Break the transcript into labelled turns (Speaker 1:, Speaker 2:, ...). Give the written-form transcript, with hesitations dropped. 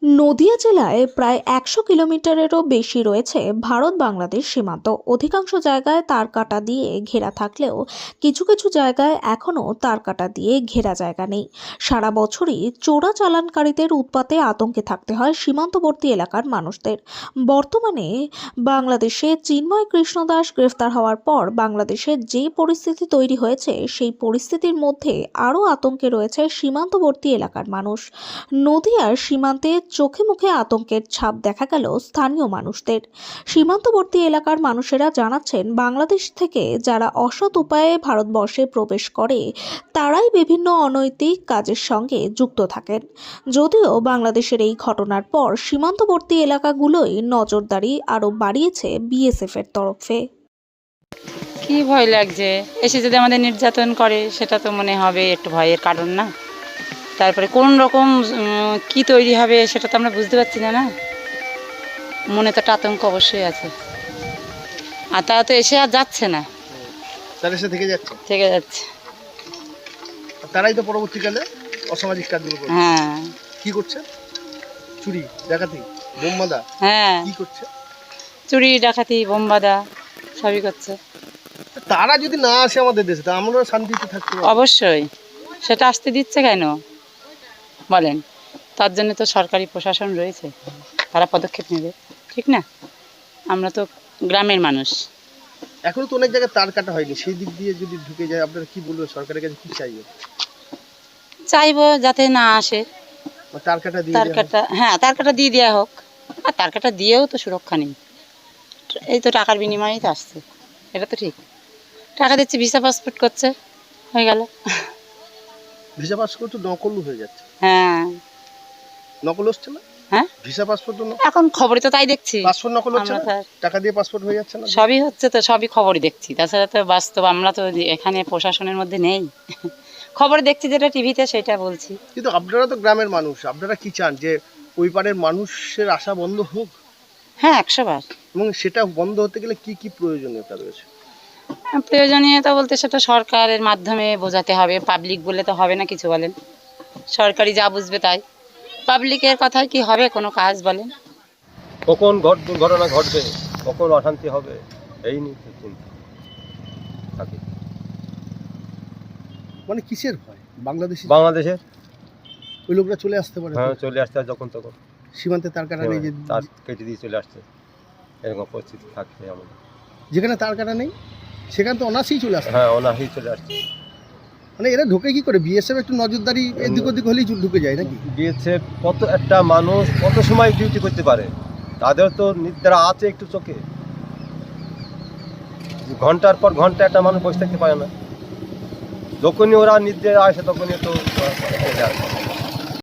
Speaker 1: নদিয়া জেলায় প্রায় ১০০ কিলোমিটারেরও বেশি রয়েছে ভারত বাংলাদেশ সীমান্ত। অধিকাংশ জায়গায় তারকাটা দিয়ে ঘেরা থাকলেও কিছু কিছু জায়গায় এখনও তারকাটা দিয়ে ঘেরা জায়গা নেই। সারা বছরই চোরাচালানকারীদের উৎপাতে আতঙ্কে থাকতে হয় সীমান্তবর্তী এলাকার মানুষদের। বর্তমানে বাংলাদেশে চিন্ময় কৃষ্ণ দাস গ্রেফতার হওয়ার পর বাংলাদেশে যে পরিস্থিতি তৈরি হয়েছে, সেই পরিস্থিতির মধ্যে আরও আতঙ্কে রয়েছে সীমান্তবর্তী এলাকার মানুষ। নদিয়ার সীমান্তে চোখে মুখে আতঙ্কের ছাপ দেখা গেল স্থানীয় মানুষদের। সীমান্তবর্তী এলাকার মানুষেরা জানাচ্ছেন, বাংলাদেশ থেকে যারা অসৎ উপায়ে ভারতবর্ষে প্রবেশ করে তারাই বিভিন্ন অনৈতিক কাজের সঙ্গে যুক্ত থাকেন। যদিও বাংলাদেশের এই ঘটনার পর সীমান্তবর্তী এলাকাগুলোই নজরদারি আরও বাড়িয়েছে বিএসএফ এর তরফে।
Speaker 2: কি ভয় লাগছে, এসে যদি আমাদের নির্যাতন করে সেটা তো মনে হবে একটু ভয়ের কারণ না। তারপরে কোন রকম কি তৈরি হবে সেটা তো আমরা বুঝতে পারছি না। মনে তো একটা আতঙ্ক অবশ্যই আছে। আর তারা তো এসে আর যাচ্ছে না,
Speaker 3: তারা এসে থেকে
Speaker 2: যাচ্ছে।
Speaker 3: তারাই তো পরবর্তীকালে অসামাজিক কাজগুলো করছে।
Speaker 2: হ্যাঁ।
Speaker 3: কি করছে? চুরি, ডাকাতি, বোম বাঁধা।
Speaker 2: হ্যাঁ,
Speaker 3: কি করছে?
Speaker 2: চুরি, ডাকাতি, বোম বাঁধা সবই করছে।
Speaker 3: তারা যদি না আসে আমাদের দেশে, তা আমরা শান্তিতে থাকতে পারবো?
Speaker 2: অবশ্যই। সেটা আসতে দিচ্ছে কেন বলেন? তার জন্য তো সরকারি প্রশাসন রয়েছে, তারা পদক্ষেপ নেবে, ঠিক না? আমরা তো গ্রামের মানুষ।
Speaker 3: এখনো তো অনেক জায়গায় তার কাটা হয়নি, সেই দিক দিয়ে যদি ঢুকে যায় আপনারা কি বলবেন? সরকারের কাছে কি চাইবে?
Speaker 2: চাইবো যাতে না আসে,
Speaker 3: তার কাটা দিয়ে
Speaker 2: তার কাটা দিয়ে দেওয়া হোক। আর তার কাটা দিয়েও তো সুরক্ষা নেই, এই তো টাকার বিনিময়েই তো আসছে। এটা তো ঠিক, টাকা দিচ্ছে, ভিসা পাসপোর্ট করছে, হয়ে গেল।
Speaker 3: ভিসা পাসপোর্ট তো নকল হয়ে যাচ্ছে।
Speaker 2: হ্যাঁ,
Speaker 3: নকল হচ্ছে না?
Speaker 2: হ্যাঁ,
Speaker 3: ভিসা পাসপোর্ট
Speaker 2: এখন খবরে তো তাই দেখছি।
Speaker 3: পাসপোর্ট নকল হচ্ছে না? টাকা দিয়ে পাসপোর্ট হয়ে যাচ্ছে না?
Speaker 2: সবই হচ্ছে, তো সবই খবরই দেখছি। তাছাড়া তো বাস্তব আমরা তো এখানে প্রশাসনের মধ্যে নেই। খবরে দেখছি যেটা টিভিতে, সেটা বলছি।
Speaker 3: কিন্তু আপনারা তো গ্রামের মানুষ, আপনারা কি চান যে ওই পারের মানুষের আশা বন্ধ হোক?
Speaker 2: হ্যাঁ, 100 বার।
Speaker 3: এবং সেটা বন্ধ হতে গেলে কি কি প্রয়োজনীয়তা রয়েছে?
Speaker 2: প্রয়োজনীয়তা বলতে সেটা সরকারের মাধ্যমে বোঝাতে হবে, পাবলিক বলে তো হবে না কিছু। বলেন, সরকারি যা বুঝবে তাই। পাবলিকের কথায় কি হবে কোনো কাজ বলেন?
Speaker 4: কখন দুর্ঘটনা ঘটবে, কখন অশান্তি হবে, এই নিয়ে চিন্তা থাকে।
Speaker 3: মানে কিসের ভয়?
Speaker 4: বাংলাদেশের
Speaker 3: ওই লোকরা চলে আসতে পারে?
Speaker 4: হ্যাঁ, চলে আসছে যখন তখন।
Speaker 3: সীমান্তে তার কাটা নেই যে
Speaker 4: তার কেটে দিয়ে চলে আসছে, এরকম পরিস্থিতি থাকছে আমাদের।
Speaker 3: যেখানে তার কাটা নেই সেখানে তো অনাসেই চলে আসে।
Speaker 4: হ্যাঁ, অনাহি চলে আসছে।
Speaker 3: মানে এরা ঢোকে কি করে? বিএসএফ একটু নজরদারি এদিক ওদিক হলেই ঢুকে যায় নাকি?
Speaker 4: বিএসএফ কত একটা মানুষ কত সময় ডিউটি করতে পারে, তাদের তো নিদ্রা আছে একটু চোখে। ঘন্টার পর ঘন্টা একটা মানুষ বসে থাকতে পারে না। যখনই ওরা নিদ্রা আসে তখনই তো চলে আসে।